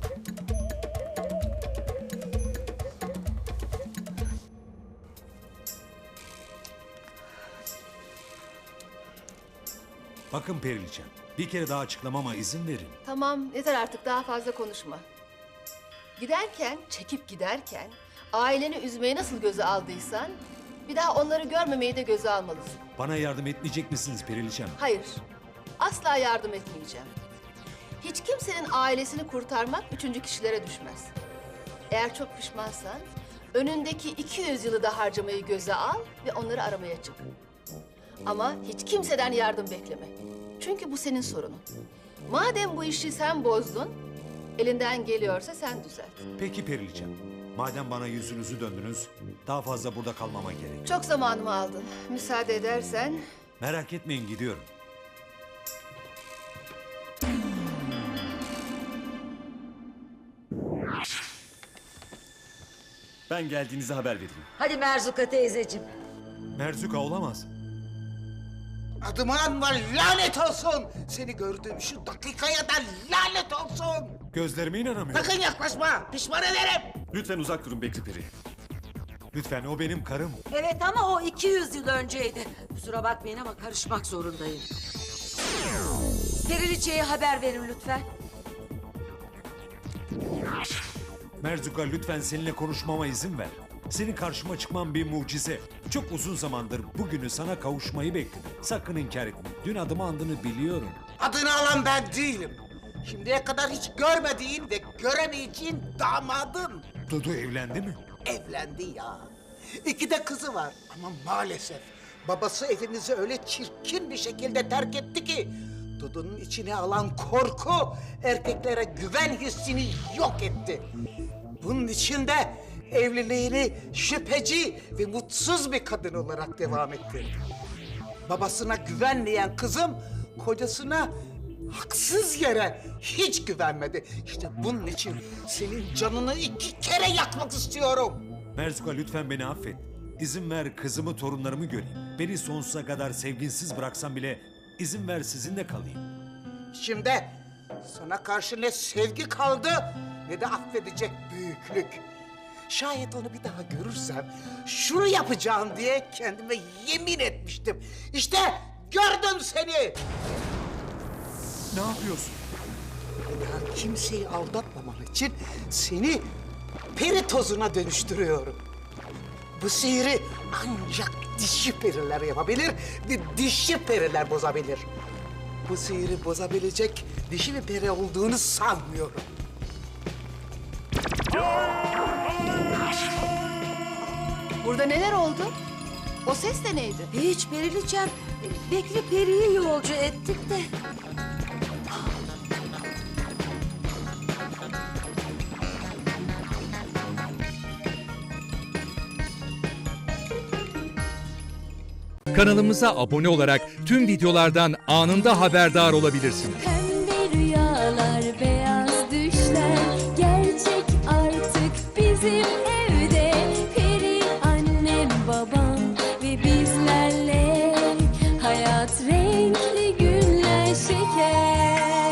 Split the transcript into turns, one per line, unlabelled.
Bakın Periliçem, bir kere daha açıklamama izin verin.
Tamam, yeter artık, daha fazla konuşma. Giderken, çekip giderken aileni üzmeyi nasıl göze aldıysan bir daha onları görmemeyi de göze almalısın.
Bana yardım etmeyecek misiniz Periliçem?
Hayır, asla yardım etmeyeceğim. Hiç kimsenin ailesini kurtarmak üçüncü kişilere düşmez. Eğer çok pişmansan önündeki 200 yılı da harcamayı göze al ve onları aramaya çık. Ama hiç kimseden yardım bekleme. Çünkü bu senin sorunun. Madem bu işi sen bozdun, elinden geliyorsa sen düzelt.
Peki Periliçem, madem bana yüzünüzü döndünüz, daha fazla burada kalmama gerek.
Çok zamanımı aldın. Müsaade edersen...
Merak etmeyin, gidiyorum.
Ben geldiğinizi haber vereyim.
Hadi Merzuka teyzeciğim.
Merzuka olamaz.
Adıma anma, lanet olsun! Seni gördüğüm şu dakikaya da lanet olsun!
Gözlerime inanamıyorum.
Sakın yaklaşma, pişman ederim!
Lütfen uzak durun Bekri Peri.
Lütfen, o benim karım.
Evet ama o 200 yıl önceydi. Kusura bakmayın ama karışmak zorundayım. Periliçe'ye haber verin lütfen.
Merzuka, lütfen seninle konuşmama izin ver. Senin karşıma çıkman bir mucize. Çok uzun zamandır bugünü sana kavuşmayı bekledim. Sakın inkar etme. Dün adımı andığını biliyorum.
Adını alan ben değilim. Şimdiye kadar hiç görmediğin ve göremeyeceğin damadım.
Dudu evlendi mi?
Evlendi ya. 2 de kızı var ama maalesef babası evimizi öyle çirkin bir şekilde terk etti ki Dudu'nun içine alan korku erkeklere güven hissini yok etti. Bunun için de evliliğini şüpheci ve mutsuz bir kadın olarak devam ettirdi. Babasına güvenmeyen kızım kocasına haksız yere hiç güvenmedi. İşte bunun için senin canını 2 kere yakmak istiyorum.
Merzuka, lütfen beni affet. İzin ver kızımı, torunlarımı göreyim. Beni sonsuza kadar sevginsiz bıraksan bile izin ver sizinle kalayım.
Şimdi sana karşı ne sevgi kaldı ne de affedecek büyüklük. Şayet onu bir daha görürsem şunu yapacağım diye kendime yemin etmiştim. İşte gördüm seni.
Ne yapıyorsun?
Bir daha kimseyi aldatmaman için seni peri tozuna dönüştürüyorum. Bu sihiri ancak dişi periler yapabilir ve dişi periler bozabilir. Bu sihiri bozabilecek dişi bir peri olduğunu sanmıyorum.
Burada neler oldu? O ses de neydi?
Hiç Periliçem. Bekri Peri'yi yolcu ettik de.
Kanalımıza abone olarak tüm videolardan anında haberdar olabilirsiniz.